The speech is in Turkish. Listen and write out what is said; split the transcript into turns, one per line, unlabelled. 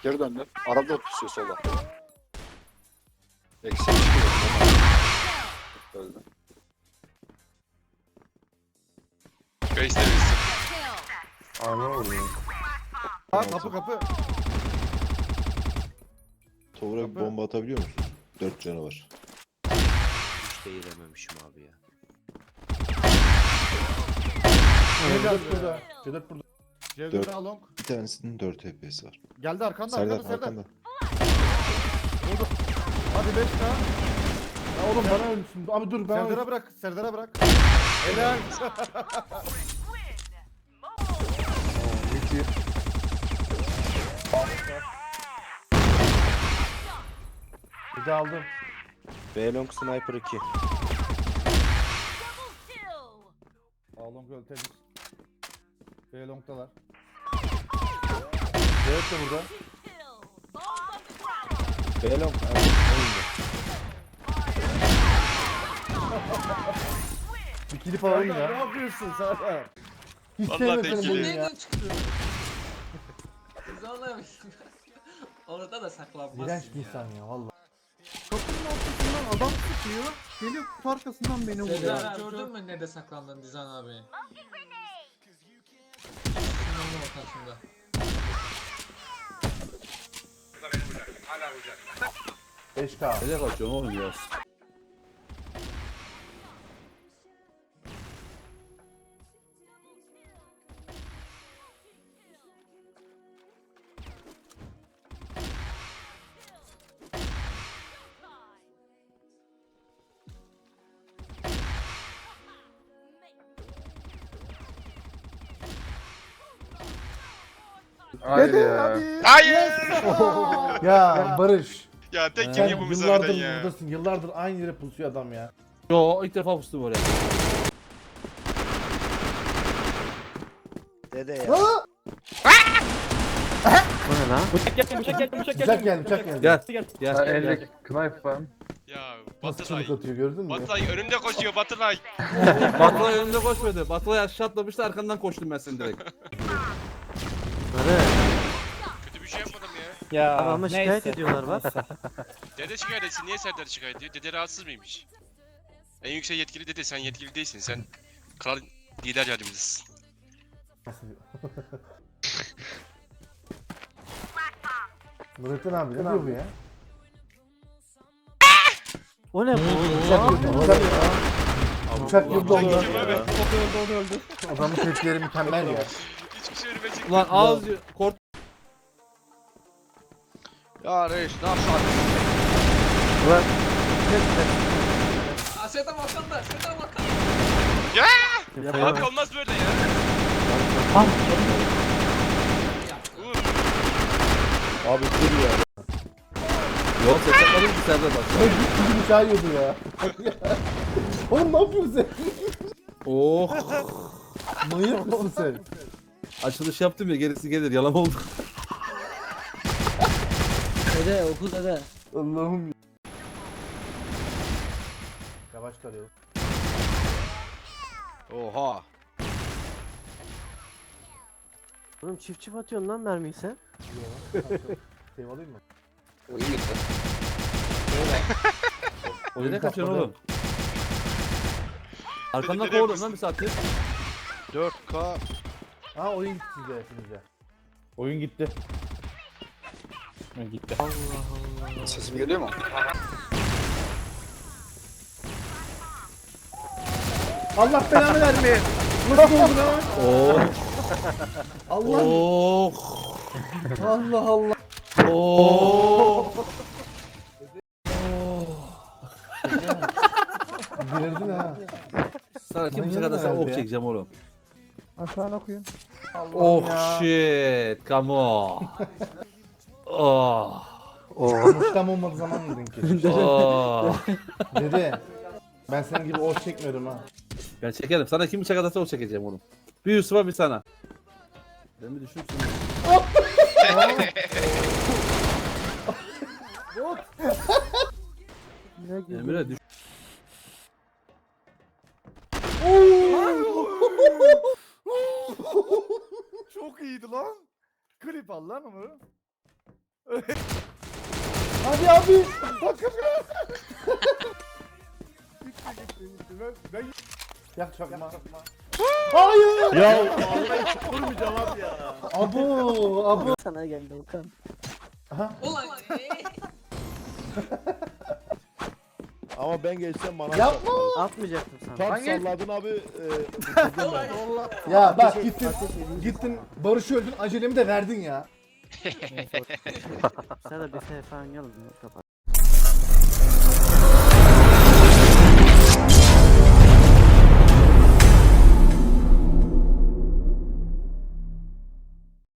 Geri döndü. Arada tutuyor sola. Eksi çıkıyor. Öldü.
Base temizsin.
Ana oluyor.
Ha kapı.
Tovra bir bomba atabiliyor musun? 4 canı var.
Hiç değilememişim abi ya.
Cedet burada. Cedet burada.
Dört.
Cedet along.
Bir tanesinin 4 HP'si var.
Geldi arkanda
Serdar
Serdar.
arkanda.
Hadi 5 daha.
Ya oğlum bana ölmüşsün. Abi dur ben
Serdar'a bırak. Serdar'a bırak. Helal.
bir de aldım.
B-Long Sniper 2.
Along öl temiz. B long'dalar.
Evet de burada.
B-Long
Bir kilip alayım
Serdar ne
ya.
yapıyorsun Serdar?
Hiç
Vallahi
sevmedim
tek
seni
kili.
bunu ya.
Nereden çıktı? Biz anlamışız. Orada da saklanmazsın
İğrenç bir
ya.
insan ya valla.
Kapının ortasından adam sıkıyor. Geliyor kutu arkasından beni vuruyor.
Serdar gördün mü nerede saklandın Dizan abi? Şunun ortasında.
Beş k.
Nereye kaçıyorsun oğlum ya?
Hayır ya.
Hayır!
Ya Barış.
Ya tek
Sen
kim yapımız
yıllardır
harbiden ya.
buradasın. Yıllardır aynı yere pusuyor adam ya.
Yo ilk defa pustum oraya.
Dede ya.
Bıçak geldi bıçak geldi bıçak
Bıçak geldi bıçak geldi.
Gel gel.
Elde knife var.
Ya
Nasıl
Batılay.
çabuk atıyor gördün mü?
Batılay önümde koşuyor Batılay.
Batılay önümde koşmadı. Batılay aşağı atlamıştı arkandan koştum ben seni direkt.
Kötü bir şey yapmadım ya.
Ya ama şikayet ediyorlar bak.
Dede şikayet etsin. Niye Serdar şikayet ediyor? Dede rahatsız mıymış? En yüksek yetkili dede. Sen yetkili değilsin. Sen kral lider yardımcısın.
Nurettin abi ne diyor bu ya?
O ne bu?
Bıçak yıldı
Sen
oldu.
kim abi?
Adamın tepkileri mükemmel ya.
Hiçbir şey önüme çıkmıyor.
Ulan ağız kort.
Ya reis ne yapsın?
Aa Serdar arkanda. Serdar arkanda.
Ya! Abi olmaz böyle ya. Uğur.
Abi dur ya.
Yok seslenmedim ki Serdar bak.
Ya git gibi bıçağı yiyordu ya. Oğlum ne yapıyorsun sen?
Oh.
Manyak mısın sen?
Açılış yaptım ya gerisi gelir yalan oldu.
Dede oku dede.
Allah'ım ya. Yavaş kalıyor.
Oha. Oğlum çift atıyorsun lan mermiyi sen.
Save alayım mı?
Nereye kaçıyorsun oğlum? Arkandan
Dede
kovuyorum lan bir saattir.
4K.
Ha oyun gitti size hepinize.
Oyun gitti.
Gitti. Sesim geliyor mu?
Allah belanı vermeye. Nasıl oldu lan?
Oh.
Allah
Oh.
Allah Allah.
Oh.
Girdin ha.
Sana kim bıçak
Manyak
atarsa
herhalde
ok
ya.
çekeceğim oğlum.
Aşağına okuyun.
Oh shit. Come on. Oh.
Muştam olmadığı zaman yedin ki.
Oh.
Dede. Ben senin gibi oş çekmiyorum ha.
Ben çekerim. Sana kim bıçak atarsa ok çekeceğim oğlum. Bir Yusuf'a bir sana. Ben bir düşünsün. Emre düş.
Çok iyiydi lan. Klip al lan onu.
Hadi abi. Yak çakma. Hayır.
Ya vurmayacağım abi ya.
Abu.
Sana geldi Okan.
Ulan
Ama ben geçsem bana
Yapma.
Atmayacaktım sana.
Tam salladın abi. Bitirdim ben.
Ya bak gittin Barış'ı öldün acelemi de verdin ya.
Sen de bir sefer oynayalım ya kapat.